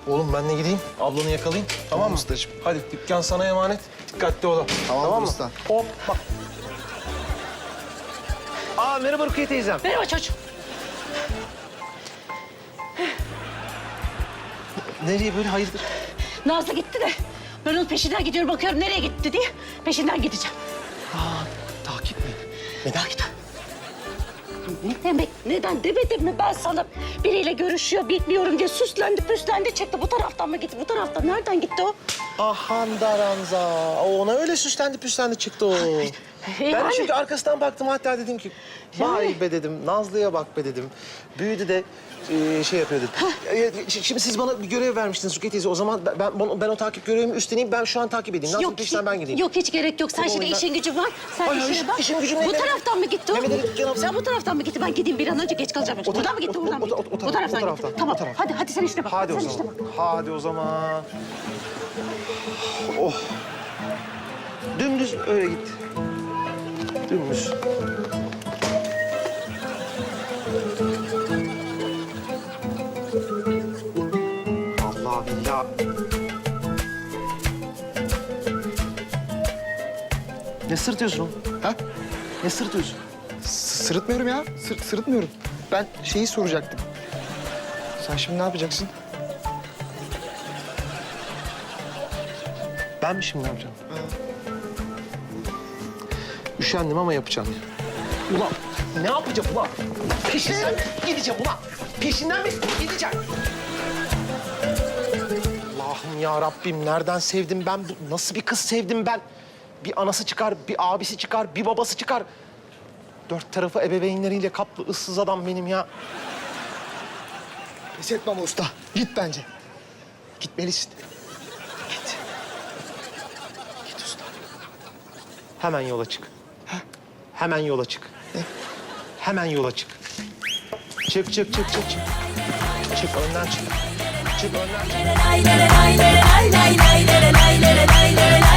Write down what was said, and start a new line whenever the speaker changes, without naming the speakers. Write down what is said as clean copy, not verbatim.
Oğlum ben de gideyim. Ablanı yakalayayım. Tamam mı?
ustacığım.
Hadi dükkan sana emanet. Dikkatli ol.
Tamam
mı?
usta.
Hop bak. Aa merhaba Rukiye teyzem.
Merhaba çocuğum.
Nereye böyle hayırdır?
Nazlı gitti de ben onun peşinden gidiyorum bakıyorum nereye gitti diye peşinden gideceğim.
Takip mi? Neden?
Ne demek neden demedim mi ben sana biriyle görüşüyor bilmiyorum diye süslendi püslendi çıktı bu taraftan mı gitti bu taraftan nereden gitti o?
Ahan Daranza. Ona öyle süslendi püslendi çıktı o. Ben de
Yani.
çünkü arkasından baktım hatta dedim ki vay
Yani.
be dedim Nazlı'ya bak be dedim. Büyüdü de şey yapıyor dedim. Şimdi siz bana bir görev vermiştiniz Rukiye teyze. O zaman ben o takip görevimi üstleneyim. Ben şu an takip edeyim. Nazlı'nın peşinden ben gideyim.
Yok hiç gerek yok. Sen
Tamam,
şimdi
ben-
işin gücün var. Sen
Ay,
işine bak.
işim gücüm ne
Bu
demek?
taraftan mı gitti o?
Mehmet Ali dükkanı-
Sen bu taraftan mı gitti? Ben gideyim bir an önce geç kalacağım. Buradan mı gitti? Buradan mı gitti? Bu taraftan gitti. Tamam. Hadi sen işine bak.
Hadi o
sen
zaman.
işine bak.
Hadi o zaman. Oh. Dümdüz öyle git. Dümdüz. Allah billah. Ne sırtıyorsun oğlum?
Ha?
Ne sırtıyorsun?
Sırıtmıyorum ya. Sırıtmıyorum. Ben şeyi soracaktım. Sen şimdi ne yapacaksın?
Ben mi şimdi ne yapacağım? Üşendim ama yapacağım. Ulan ne yapacağım ulan? Peşinden mi gideceğim ulan? Peşinden mi gideceğim? Allah'ım ya Rabbim nereden sevdim ben? Nasıl bir kız sevdim ben? Bir anası çıkar, bir abisi çıkar, bir babası çıkar. Dört tarafı ebeveynleriyle kaplı ıssız adam benim ya.
Pes etme ama usta. Git bence. Gitmelisin.
Git. Git usta. Hemen yola çık. Hemen yola çık. Hemen yola çık. Çık. Çık önden çık. Çık önden çık.